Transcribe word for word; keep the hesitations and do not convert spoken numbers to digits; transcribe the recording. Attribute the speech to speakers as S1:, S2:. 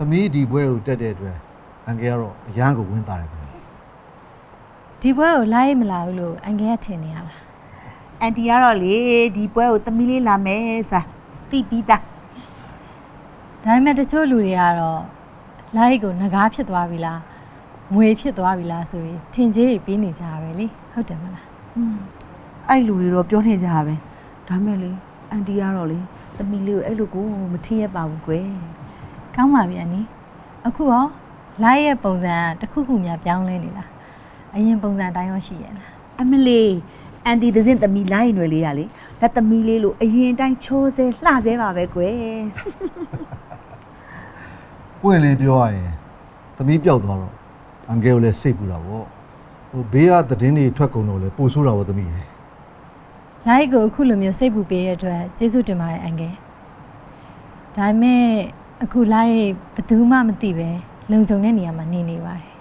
S1: သမီးဒီဘွဲကိုတက်တဲ့အတွက်အန်ကယ်ကတော့အရန်ကိုဝင်သားတယ်သမီး
S2: ဒီဘွဲကိုလာရေးမလာဘူးလို့အန်ကယ်ကထင်နေရလား
S3: အန်တီကတော့လေဒီပွဲကိုသမီးလေးလာမယ်ဆိုတာသိပြီးသား
S2: ဒါပေမဲ့တချို့လူတွေကတော့လာရေးကိုငကားဖြစ်သွားပြီလားငွေဖြစ်သွားပြီလားဆိုရင်ထင်ကြီးတွေပြီးနေကြတာပဲလေဟုတ်တယ်မလား
S3: အဲ့လူတွေတော့ပြောနေကြတာပဲဒါမဲ့လေအန်တီကတော့လေသမီးလေးကိုအဲ့လိုကိုမထင်ရပါဘူးကွယ်
S2: ကောင်းပါပြီအနီအခုရောလာရေးရဲ့ပုံစံကတစ်ခုခုများပြောင်းလဲနေလားအရင်ပုံစံတိုင်းရောရှိရဲ့လား
S3: အမလေးအန်တီသစင်သမီးလိုက်ရွယ်လေးရလေဒါသမီးလေးလို့အရင်တိုင်းချိုးစဲလှစဲပါပဲကွယ်
S1: ပွင့်လေးပြောရရင်သမီးပျောက်သွားတော့အန်ကယ်ကိုလည်းစိတ်ပူတာပေါ့ဟိုဘေးကသတင်းတွေထွက်ကုန်တော့လေပို့ဆိုးတာပေါ့သမီး
S2: လာရေးကိုအခုလိုမျိုးစိတ်ပူပေးတဲ့အတွက်ကျေးဇူးတင်ပါတယ်အန်ကယ်ဒါပေမဲ့အခုလာရေးဘယ်သူမှမသိပဲလုံခြုံတဲ့နေရာမှာနေနေပါတယ်